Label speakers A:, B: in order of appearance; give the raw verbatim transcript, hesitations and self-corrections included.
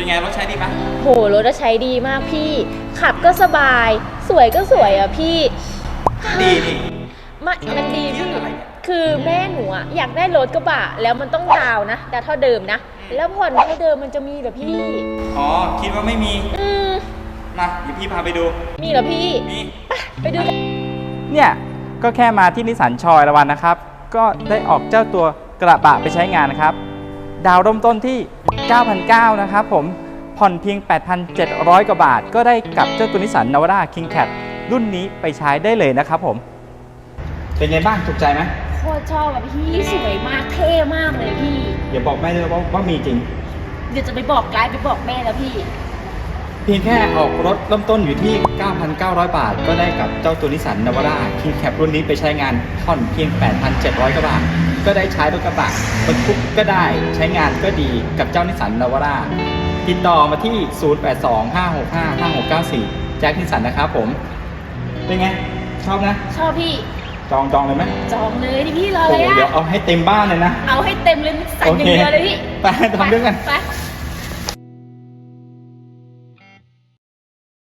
A: ไงรถใช้ดีปะ
B: โหรถใช้ดีมากพี่ขับก็สบายสวยก็สวยอ่ะพี่
A: ดีดิ
B: มันมันดีพี่คือแม่หนูอะอยากได้รถกระบะแล้วมันต้องดาวนะดาวเท่าเดิมนะแล้วผ่อนเท่าเดิมมันจะมีเหรอพี่
A: อ๋อคิดว่าไม่มี
B: อืม
A: มาเดี๋ยวพี่พาไปดู
B: มีเหรอพี่
A: มี
B: ไปดู
C: เนี่ยก็แค่มาที่นิสสันชอยละวันนะครับก็ได้ออกเจ้าตัวกระบะไปใช้งานนะครับดาวเริ่มต้นที่ เก้าพันเก้าร้อย นะครับผมผ่อนเพียง แปดพันเจ็ดร้อย กว่าบาทก็ได้กับเจ้าตัวนิสสันนาวาร่า King Cat รุ่นนี้ไปใช้ได้เลยนะครับผมเป็นไงบ้างถูกใจไหม
B: โคตรชอบอ่ะพี่สวยมากเท่มากเลยพี่
C: อย่าบอกแม่ด้วยว่าว่ามีจริง
B: เดี๋ยวจะไปบอกไกด์ไปบอกแม่แล้วพี่
C: เพียงแค่ออกรถเริ่มต้นอยู่ที่ เก้าพันเก้าร้อย บาทก็ได้กับเจ้าตัวนิสสันนาวาร่า King Cat รุ่นนี้ไปใช้งานผ่อนเพียง แปดพันเจ็ดร้อย กว่าบาทก็ได้ใช้รถกระบะบรรทุกก็ได้ใช้งานก็ดีกับเจ้านิสสันนาวาร่าติดต่อมาที่ ศูนย์ แปด สอง ห้า หก ห้า ห้า หก เก้า สี่ แจ็คนิสสันนะครับผมเป็นไงชอบนะ
B: ชอบพี่
C: จองจองเลยไหม
B: จองเลยดิพี่รออะไรอ่ะ
C: เดี๋ยวเอาให้เต็มบ้านเลยนะ
B: เอาให้เต็มเลยสั่งอย่างเดียวเลยพี่
C: ไปทำด้วยกัน
B: ไป